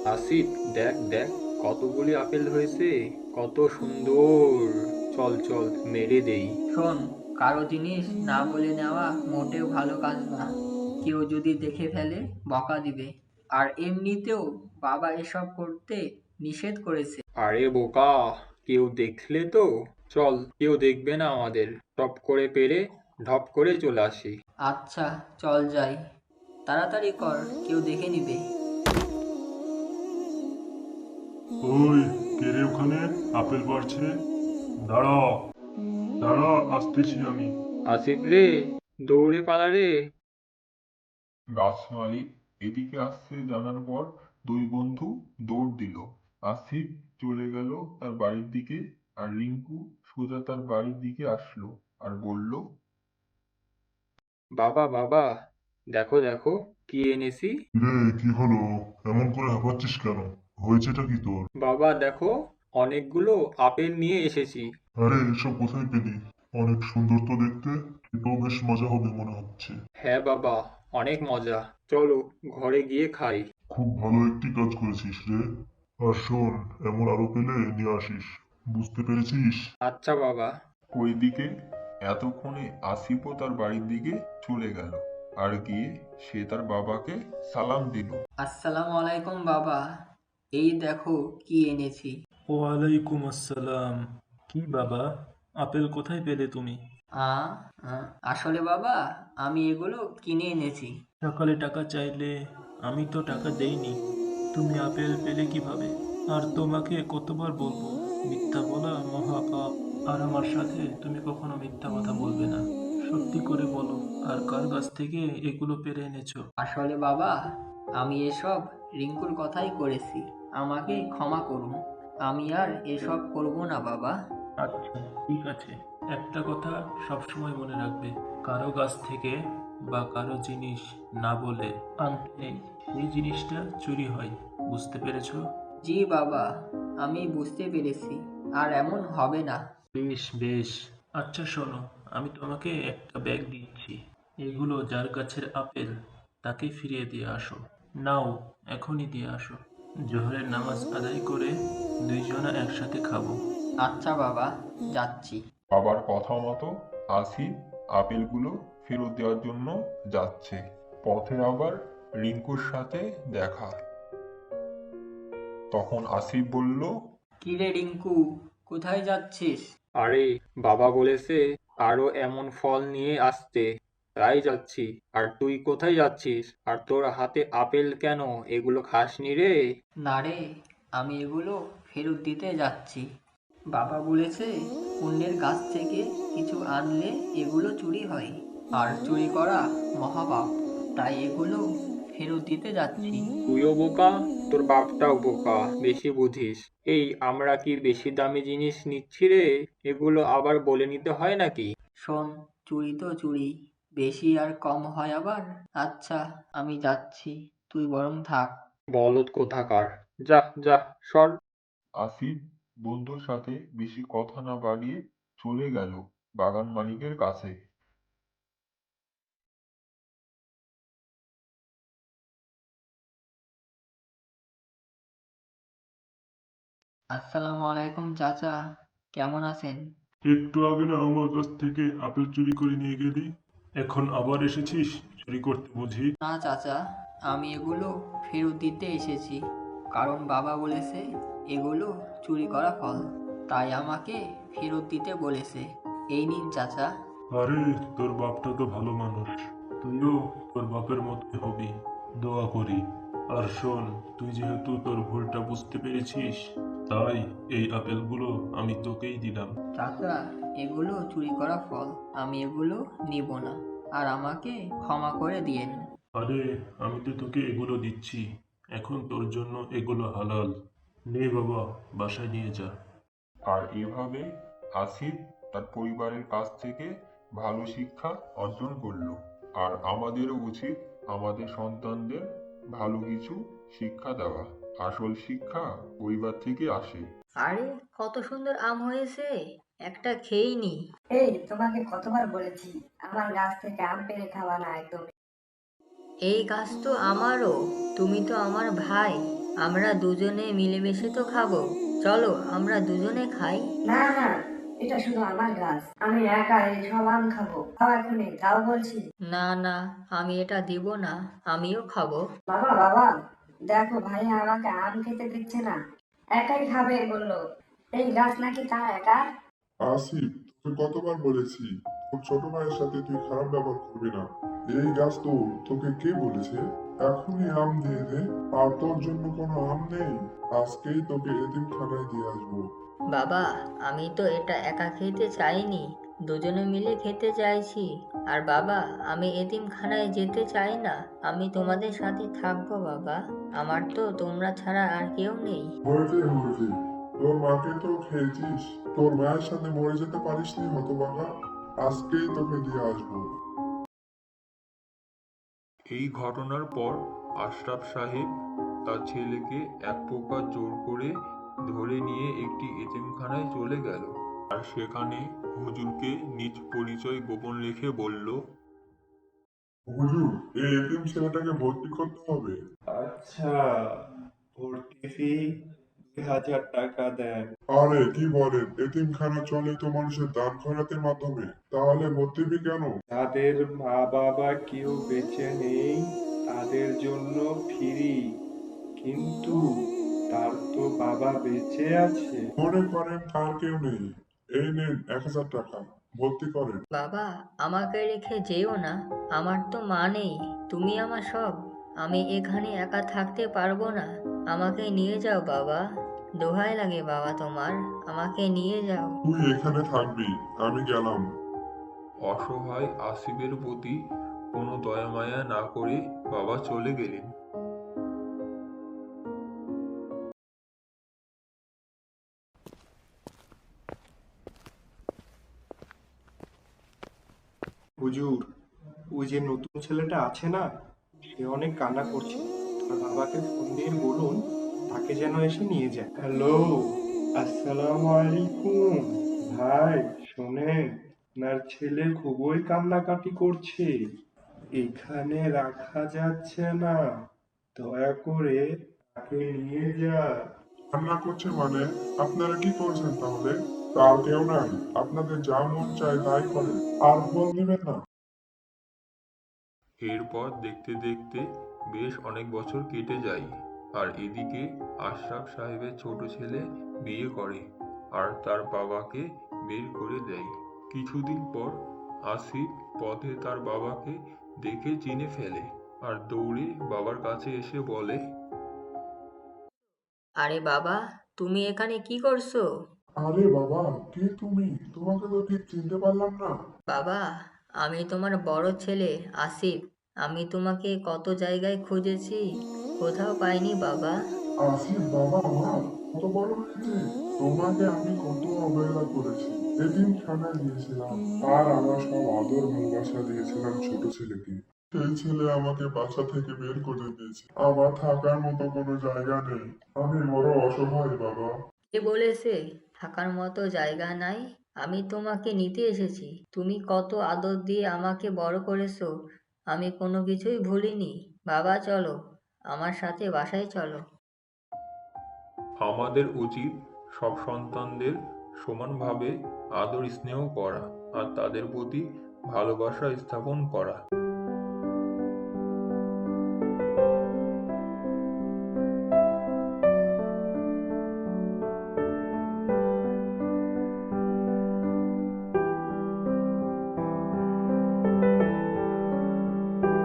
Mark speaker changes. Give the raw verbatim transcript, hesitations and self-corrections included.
Speaker 1: আসিফ, দেখ দেখ, কতগুলি আপেল হয়েছে, কত সুন্দর। চল চল, মেরে দেই।
Speaker 2: শোন, কারো জিনিস না বলে নেওয়া মোটেও ভালো কাজ না। কেউ যদি দেখে ফেলে বকা দিবে। আর এমনিতেও বাবা এসব করতে নিষেধ করেছে।
Speaker 1: আরে বোকা, কেউ দেখলে তো? চল, কেউ দেখবে না আমাদের। টপ করে পেরে ঢপ করে চলে আসি।
Speaker 2: আচ্ছা, চল যাই। তাড়াতাড়ি কর, কেউ দেখে নিবে।
Speaker 3: ওই, কে রে ওখানে? আপেল পাড়ছে। দাঁড়া, দাঁড়া, আসতেছি আমি।
Speaker 1: আসিফ রে, দৌড়ে পালা রে।
Speaker 3: গাছ মালিক এদিকে আসছে জানার পর দুই বন্ধু দৌড় দিল। আসিফ চলে গেল তার বাড়ির দিকে, আর রিঙ্কু সোজা তার বাড়ির দিকে আসলো আর বলল,
Speaker 1: বাবা বাবা, দেখো দেখো, কি এনেছি।
Speaker 3: রে, কি হলো? এমন করে হাঁপাচ্ছিস কেন? হয়েছেটা কি তোর?
Speaker 1: বাবা দেখো, অনেকগুলো আপেল নিয়ে এসেছি।
Speaker 3: আরে, এসব কোথায় পেলি? অনেক সুন্দর তো দেখতে। এটাও বেশ মজা হবে মনে হচ্ছে।
Speaker 1: হ্যাঁ বাবা, অনেক মজা। চলো, ঘরে গিয়ে খাই।
Speaker 3: খুব ভালো একটি কাজ করেছিস রে। আর শোন, এমন আরো পেলে নিয়ে আসিস। বুঝতে পেরেছিস?
Speaker 1: আচ্ছা বাবা।
Speaker 3: ওইদিকে এতক্ষণে আসিফও তার বাড়ির দিকে চলে গেল, আর গিয়ে সে তার বাবাকে সালাম দিল।
Speaker 2: আসসালামু আলাইকুম বাবা। এই দেখো কি এনেছি।
Speaker 4: ওয়ালাইকুম আসসালাম। কি বাবা, আপেল কোথায় পেলে তুমি?
Speaker 2: আ আ, আসলে বাবা, আমি এগুলো কিনে এনেছি।
Speaker 4: সকালে টাকা চাইলে আমি তো টাকা দেইনি। তুমি আপেল পেলে কিভাবে? আর তোমাকে কতবার বলবো, মিথ্যা বলা মহাপাপ। আর আমার সাথে তুমি কখনো মিথ্যা কথা বলবে না। সত্যি করে বলো, আর কার কাছ থেকে এগুলো পেরে এনেছো?
Speaker 2: আসলে বাবা, আমি এসব রিঙ্কুর কথাই করেছি। আমাকে ক্ষমা করুন। আমি আর এসব করব না বাবা।
Speaker 4: আচ্ছা, ঠিক আছে। একটা কথা সবসময় মনে রাখবে, কারো কাছ থেকে বা কারো জিনিস না বলে আনতে নেই। এই জিনিসটা চুরি হয়। বুঝতে পেরেছো?
Speaker 2: জি বাবা, আমি বুঝতে পেরেছি। আর এমন হবে না।
Speaker 4: বেশ বেশ। আচ্ছা শোনো, আমি তোমাকে একটা ব্যাগ দিচ্ছি। এগুলো যার গাছের আপেল তাকে ফিরিয়ে দিয়ে আসো। নাও, এখনই দিয়ে আসো। জোহরের নামাজ আদায় করে দুইজনা একসাথে খাবো।
Speaker 2: আচ্ছা বাবা, যাচ্ছি।
Speaker 3: বাবার কথা মতো আসিফ আপেলগুলো ফেরত দেওয়ার জন্য যাচ্ছে। পথে আবার রিঙ্কুর সাথে দেখা। তখন আসিফ বলল,
Speaker 2: কি রে রিঙ্কু, কোথায় যাচ্ছিস?
Speaker 1: আরে, বাবা বলেছে আরো এমন ফল নিয়ে আসতে, তাই যাচ্ছি। আর তুই কোথায় যাচ্ছিস? আর তোর হাতে আপেল কেন? এগুলো খাসনি রে?
Speaker 2: না রে, আমি এগুলো ফেরত দিতে যাচ্ছি। বাবা বলেছে অন্যের গাছ থেকে কিছু আনলে এগুলো চুরি হয়, আর চুরি করা মহাপাপ। তাই এগুলো ফেরত দিতে যাচ্ছি।
Speaker 1: তুইও বোকা, তোর বাপটাও বোকা, বেশি বুঝিস। এই, আমরা কি বেশি দামি জিনিস নিচ্ছি রে? এগুলো আবার বলে নিতে হয় নাকি?
Speaker 2: শোন, চুরি তো চুরি, বেশি আর কম হয় আবার। আচ্ছা, আমি যাচ্ছি, তুই বরং থাক।
Speaker 1: বলদ কোথাকার! যা যা, সর।
Speaker 3: আসিফ বন্ধুর সাথে বেশি কথা না বাড়িয়ে চলে গেল বাগান মালিকের কাছে।
Speaker 2: আসসালামু আলাইকুম চাচা, কেমন আছেন?
Speaker 3: একটু আগে না আমার কাছ থেকে আপেল চুরি করে নিয়ে গেলি, এখন আবার এসেছিস চুরি করতে বুঝি?
Speaker 2: না চাচা, আমি এগুলো ফেরত দিতে এসেছি। কারণ বাবা বলেছে এগুলো চুরি করা ফল, তাই আমাকে ফেরত দিতে বলেছে। এই নিন চাচা।
Speaker 3: আরে, তোর বাপটা তো ভালো মানুষ। তুইও তোর বাপের মতোই হবি, দোয়া করি। আর শোন, তুই যেহেতু তোর ভুলটা বুঝতে পেরেছিস, তাই এই আপেলগুলো আমি তোকেই দিলাম।
Speaker 2: চাচা, এগুলো চুরি করা ফল, আমি এগুলো নিব না। আর আমাকে ক্ষমা করে দিয়েন।
Speaker 3: আরে, আমি তো তোকে এগুলো দিচ্ছি, এখন তোর জন্য এগুলো হালাল। নে বাবা, বাসায় নিয়ে যা। আর এভাবে আসিফ তার পরিবারের কাছ থেকে ভালো শিক্ষা অর্জন করলো। আর আমাদেরও উচিত আমাদের সন্তানদের ভালো কিছু শিক্ষা দেওয়া। আসল শিক্ষা পরিবার থেকে আসে।
Speaker 2: আরে, কত সুন্দর আম হয়েছে, একটা খেয়েই নি।
Speaker 5: এই, তোমাকে কতবার বলেছি আমার গাছ থেকে আম পেড়ে খাওয়া না একদম।
Speaker 2: এই গাছ তো আমারও, তুমি তো আমার ভাই। আমরা দুজনে মিলেমিশে তো খাবো। চলো আমরা দুজনে খাই।
Speaker 5: না না, এটা শুধু আমার গাছ, আমি একা এই সব আম খাবো। খাও এখনই, তাও বলছি।
Speaker 2: না না, আমি এটা দিব না, আমিও খাবো।
Speaker 5: বাবা বাবা, দেখো ভাই আমাকে আম খেতে দিচ্ছে না, একাই খাবে বললো। এই গাছ নাকি তার একা?
Speaker 6: আসিফ, তোকে কতবার বলেছি তোর ছোট ভাইয়ের সাথে তুই খারাপ ব্যবহার করবি না। এই গাছ তো, তোকে কে বলেছে? এখনই আম দিয়ে দে। আর তোর জন্য কোনো আম নেই? আজকেই তোকে এতিমখানায় দিয়ে আসবো।
Speaker 2: বাবা, আমি তো এটা একা খেতে চাইনি, দুজনে মিলে খেতে চাইছি। আর বাবা, আমি এতিমখানায় যেতে চাই না, আমি তোমাদের সাথে থাকবো বাবা। আমার তো তোমরা ছাড়া আর কেউ নেই।
Speaker 6: হয়েছে হয়েছে, তোর মাকে তো খেয়েছিস, তোর মায়ের সাথে মরে যেতে পারিসনি হতভাগা। আজকেই তোকে দিয়ে আসবো।
Speaker 3: এই ঘটনার পর আশরাফ সাহেব তার ছেলেকে এক প্রকার জোর করে ধরে নিয়ে একটি এতিমখানায় চলে গেল। আর সেখানে হুজুরকে নিজ পরিচয় গোপন রেখে বলল,
Speaker 6: হুজুর, এই এতিম ছেলেটাকে ভর্তি করতে হবে।
Speaker 7: আচ্ছা, ভর্তি ফি দুই হাজার টাকা দেন।
Speaker 6: আরে কি বলেন, এতিমখানা চলে তো মানুষের দান খয়রাতের মাধ্যমে, তাহলে ভর্তি ফি কেন?
Speaker 7: যাদের মা বাবা কেউ বেঁচে নেই তাদের জন্য ফ্রি, কিন্তু তার তো বাবা বেঁচে আছে।
Speaker 6: মনে করেন তার কেউ নেই, এই নেন এক হাজার টাকা, ভর্তি করেন।
Speaker 2: বাবা, আমাকে রেখে যেও না, আমার তো মা নেই, তুমি আমার সব। আমি এখানে একা থাকতে পারবো না, আমাকে নিয়ে যাও বাবা, দোহাই লাগে বাবা তোমার, আমাকে নিয়ে যাও।
Speaker 6: তুই এখানে থাকবি, আমি গেলাম।
Speaker 3: অসহায় আসিফের প্রতি কোনো দয়া মায়া না করে বাবা চলে গেলেন।
Speaker 7: হুজুর, ওই যে নতুন ছেলেটা আছে না, সে অনেক কান্না করছে, আর বাবাকে ফোন দিয়ে বলুন তাকে যেন এসে নিয়ে যায়। হ্যালো, আসসালামু আলাইকুম ভাই, শোনেন, আপনার ছেলে খুবই কান্নাকাটি করছে, এখানে রাখা যাচ্ছে না, দয়া করে তাকে নিয়ে যা।
Speaker 6: রান্না করছে মানে? আপনারা কি করছেন তাহলে? তার কেউ নাই, আপনাদের যা মন চায় তাই করেন, আর ফল নেবেন না।
Speaker 3: এরপর দেখতে দেখতে বেশ অনেক বছর কেটে যায়। আর এদিকে আশরাফ সাহেবের ছোট ছেলে বিয়ে করে আর তার বাবাকে বের করে দেয়। কিছুদিন পর আসিফ পথে তার বাবাকে দেখে চিনে ফেলে আর দৌড়ে বাবার কাছে এসে বলে,
Speaker 2: আরে বাবা, তুমি এখানে কি করছো?
Speaker 6: আরে বাবা, কে তুমি? তোমাকে তো ঠিক চিনতে পারলাম না।
Speaker 2: বাবা, আমি তোমার বড় ছেলে আসিফ। আমি তোমাকে কত জায়গায় খুঁজেছি, কোথাও পাইনি বাবা।
Speaker 6: আসিফ বাবা আমার কত বড় হয়েছে। তোমাকে আমি কত অবহেলা করেছি, এতিমখানায় দিয়েছিলাম, আর আমার সব আদর ভালোবাসা দিয়েছিলাম ছোট ছেলেকে। সেই ছেলে আমাকে বাসা থেকে বের করে দিয়েছে, আমার থাকার মতো কোনো জায়গা নেই, আমি বড় অসহায় বাবা।
Speaker 2: কে বলেছে থাকার মতো জায়গা নাই? আমি তোমাকে নিতে এসেছি, তুমি কত আদর দিয়ে আমাকে বড় করেছো, আমি কোনো কিছুই ভুলিনি। বাবা চলো, আমার সাথে বাসায় চলো।
Speaker 3: আমাদের উচিত সব সন্তানদের সমানভাবে আদর স্নেহ করা আর তাদের প্রতি ভালোবাসা স্থাপন করা।